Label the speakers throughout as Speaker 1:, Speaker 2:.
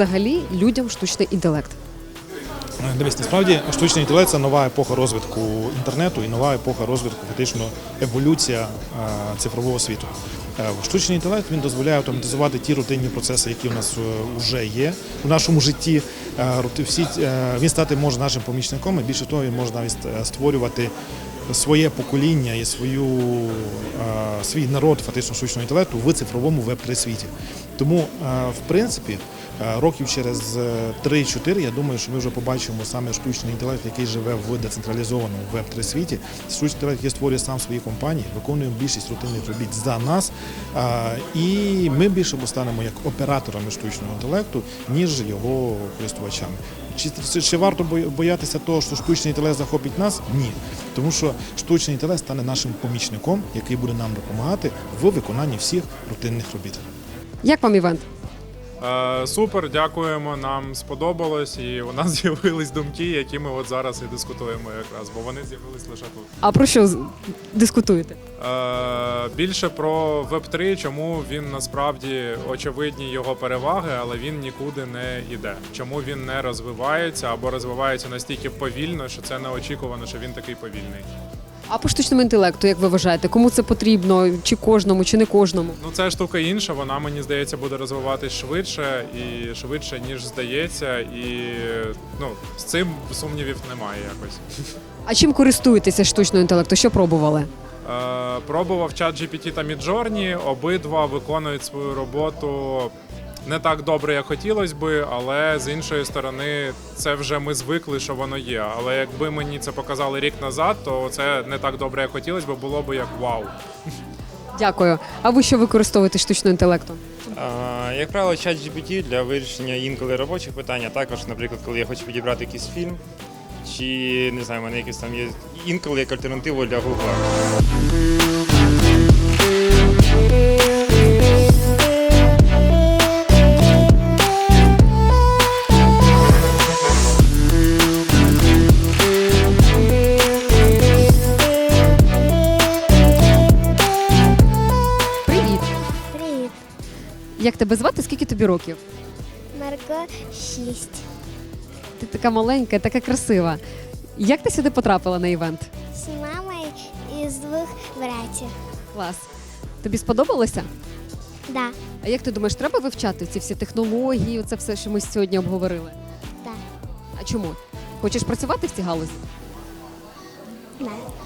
Speaker 1: взагалі людям штучний інтелект?
Speaker 2: Дивись, насправді штучний інтелект – це нова епоха розвитку інтернету і нова епоха розвитку, фактично, еволюція цифрового світу. Штучний інтелект, він дозволяє автоматизувати ті рутинні процеси, які в нас вже є в нашому житті. Він стати може нашим помічником, і більше того, він може навіть створювати своє покоління і свій народ фактично штучного інтелекту в цифровому веб-3 світі. Тому, в принципі, років через 3-4, я думаю, що ми вже побачимо саме штучний інтелект, який живе в децентралізованому веб-3 світі. Штучний інтелект, який створює сам свої компанії, виконує більшість рутинних робіт за нас, і ми більше станемо як операторами штучного інтелекту, ніж його користувачами. Чи варто боятися того, що штучний інтелект захопить нас? Ні. Тому що штучний інтелект стане нашим помічником, який буде нам допомагати в виконанні всіх рутинних робіт.
Speaker 1: Як вам івент?
Speaker 3: Супер, дякуємо, нам сподобалось, і у нас з'явились думки, які ми от зараз і дискутуємо якраз, бо вони з'явились лише тут.
Speaker 1: А про що дискутуєте?
Speaker 3: Більше про Web3, чому він насправді очевидні його переваги, але він нікуди не йде. Чому він не розвивається або розвивається настільки повільно, що це неочікувано, що він такий повільний.
Speaker 1: А по штучному інтелекту, як ви вважаєте, кому це потрібно, чи кожному, чи не кожному?
Speaker 3: Ну, це штука інша, вона, мені здається, буде розвиватись швидше, і швидше, ніж здається, і з цим сумнівів немає якось.
Speaker 1: А чим користуєтеся штучного інтелекту? Що пробували?
Speaker 3: Пробував ChatGPT та Midjourney, обидва виконують свою роботу не так добре, як хотілося би, але з іншої сторони, це вже ми звикли, що воно є. Але якби мені це показали рік назад, то це не так добре, як хотілося б, було б як вау.
Speaker 1: Дякую. А ви що використовуєте штучного інтелекту?
Speaker 4: Як правило, ChatGPT для вирішення інколи робочих питань, а також, наприклад, коли я хочу підібрати якийсь фільм, чи, не знаю, в мене якийсь там є інколи як альтернативу для Google.
Speaker 1: Привіт.
Speaker 5: Привіт,
Speaker 1: Як тебе звати? Скільки тобі років?
Speaker 5: Марго 6.
Speaker 1: Ти така маленька, така красива. Як ти сюди потрапила на івент?
Speaker 5: З мамою і з двох братів.
Speaker 1: Клас. Тобі сподобалося?
Speaker 5: Да,
Speaker 1: А як ти думаєш, треба вивчати ці всі технології, оце все, що ми сьогодні обговорили?
Speaker 5: да,
Speaker 1: А чому? Хочеш працювати в цій галузі?
Speaker 5: да.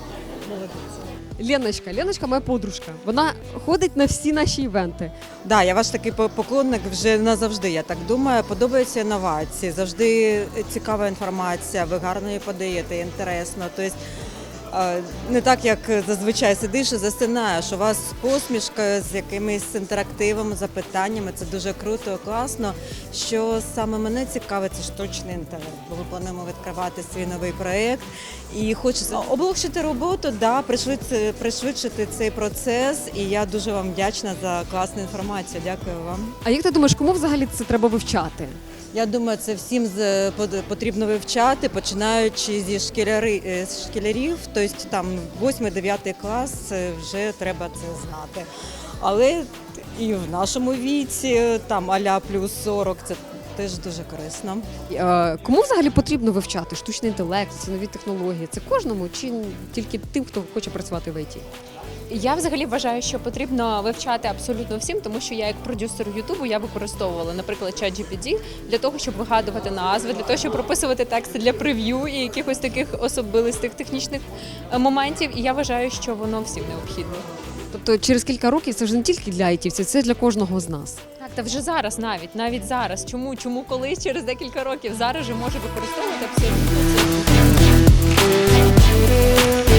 Speaker 1: Леночка моя подружка. Вона ходить на всі наші івенти.
Speaker 6: Да, я ваш такий поклонник вже назавжди, я так думаю. Подобаються інновації, завжди цікава інформація, ви гарно її подаєте, інтересно. Тобто, не так, як зазвичай сидиш і засинаєш. У вас посмішка з якимись інтерактивами, запитаннями. Це дуже круто, класно. Що саме мене цікавить, це штучний інтелект. Бо ми плануємо відкривати свій новий проєкт. І хочеться облегшити роботу, да, пришвидшити цей процес. І я дуже вам вдячна за класну інформацію. Дякую вам.
Speaker 1: А як ти думаєш, кому взагалі це треба вивчати?
Speaker 6: Я думаю, це всім потрібно вивчати, починаючи зі школярів, тобто там 8-9 клас вже треба це знати. Але і в нашому віці, там а-ля плюс 40, це теж дуже корисно.
Speaker 1: Кому взагалі потрібно вивчати штучний інтелект, ці нові технології? Це кожному чи тільки тим, хто хоче працювати в ІТ?
Speaker 7: Я взагалі вважаю, що потрібно вивчати абсолютно всім, тому що я як продюсер Ютубу я використовувала, наприклад, ChatGPT для того, щоб вигадувати назви, для того, щоб прописувати тексти для прев'ю і якихось таких особистих технічних моментів. І я вважаю, що воно всім необхідно.
Speaker 1: Тобто через кілька років це вже не тільки для айтівців, це для кожного з нас.
Speaker 7: Так, та вже зараз навіть зараз. Чому колись через декілька років? Зараз же може використовувати абсолютно це.